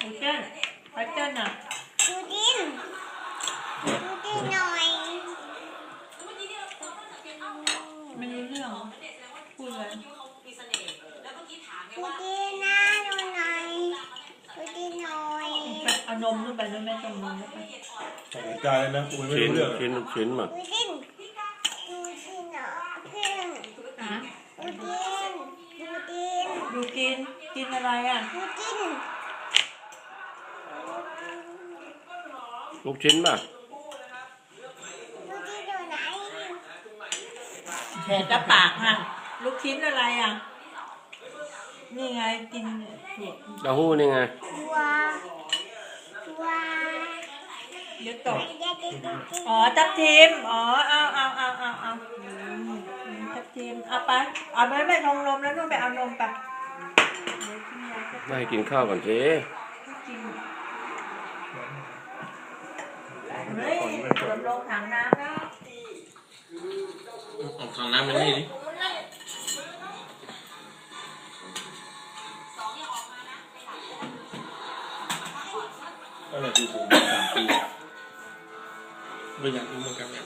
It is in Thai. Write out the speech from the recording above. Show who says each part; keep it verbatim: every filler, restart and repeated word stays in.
Speaker 1: ดูเจ้นไปเจ้นอ่ะดูดินดูดินหน่อยไม่รู้เรื่องพูดเลยดูดินนะดูหน่อยดูดินหน่อยเอานมขึ้นไปด้วยแม่ต้มนมขึ้นไป
Speaker 2: ใส่ใจเลยนะกูไม่
Speaker 3: ชิ้น
Speaker 2: รู้เรื่อง
Speaker 3: ชิ้นชิ้นมา
Speaker 1: ดูดินดูดินเหรอเพื่อนอะดูดินดูดินดูกินกินอะไรอ่ะดูดิน
Speaker 3: ลูกชิ้นป่ะ
Speaker 1: ลูกชิ้นอยู่ไหนแหกกระปากฮะลูกชิ้นอะไรอ่ะนี่ไงกินถั่ว
Speaker 3: เต้าหู้นี่ไง
Speaker 1: ถั่วถั่วเดี๋ยวตกอ๋อทับทิมอ๋อเอาเอาเอาเอาเอาทับทิมเอาไปเอาไปไปทงนมแล้วนู่นไปเอานมไป
Speaker 3: ไม่ให้กินข้าวก่อนสิ
Speaker 1: เฮ้ยเกือบลงถังน้ำแล้ว
Speaker 2: เอาถังน้ำมานี่ดิก็เลยดูผมสามปีครับไม่อยากรู้เหมือนกันเนี่ย